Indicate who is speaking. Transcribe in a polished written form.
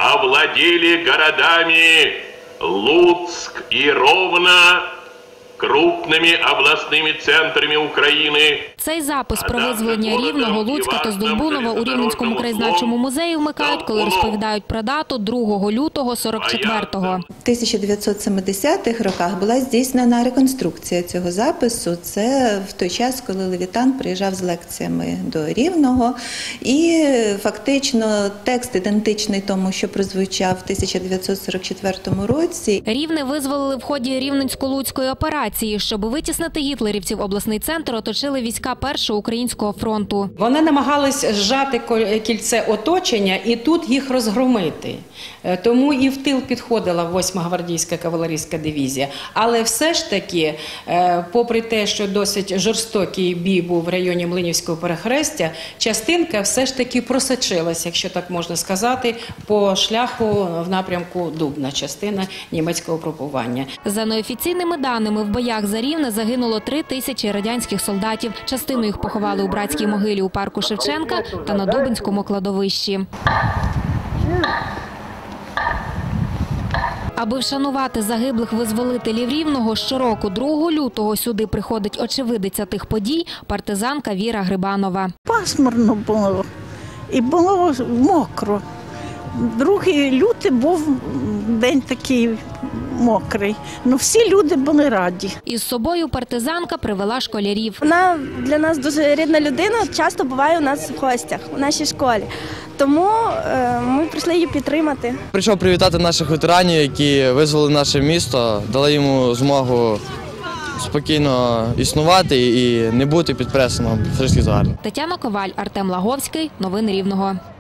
Speaker 1: овладели городами Луцк и Ровно, крупними обласними центрами України.
Speaker 2: Цей запис про визволення Рівного, Луцька та Здолбунова у Рівненському краєзнавчому музеї вмикають, коли розповідають про дату 2 лютого 44-го.
Speaker 3: В 1970-х роках була здійснена реконструкція цього запису. Це в той час, коли Левітан приїжджав з лекціями до Рівного. І фактично текст ідентичний тому, що прозвучав в 1944 році.
Speaker 2: Рівне визволили в ході Рівненсько-Луцької операції. Щоб витіснити гітлерівців, обласний центр оточили війська Першого українського фронту.
Speaker 4: Вони намагались зжати кільце оточення і тут їх розгромити. Тому і в тил підходила 8-ма гвардійська кавалерійська дивізія. Але все ж таки, попри те, що досить жорстокий бій був в районі Млинівського перехрестя, частинка все ж таки просочилась, якщо так можна сказати, по шляху в напрямку Дубна, частина німецького групування.
Speaker 2: За неофіційними даними, в боях за Рівне загинуло 3000 радянських солдатів. Частину їх поховали у братській могилі у парку Шевченка та на Дубинському кладовищі. Аби вшанувати загиблих визволителів Рівного, щороку 2 лютого сюди приходить очевидиця тих подій – партизанка Віра Грибанова.
Speaker 5: Пасмурно було і було мокро. 2 лютого був день такий мокрий. Ну, всі люди були раді.
Speaker 2: Із собою партизанка привела школярів.
Speaker 6: Вона для нас дуже рідна людина, часто буває у нас в гостях, у нашій школі. Тому ми прийшли її підтримати.
Speaker 7: Прийшов привітати наших ветеранів, які визволили наше місто, дали йому змогу спокійно існувати і не бути під пресом фашистських загарбників.
Speaker 2: Тетяна Коваль, Артем Лаговський. Новини Рівного.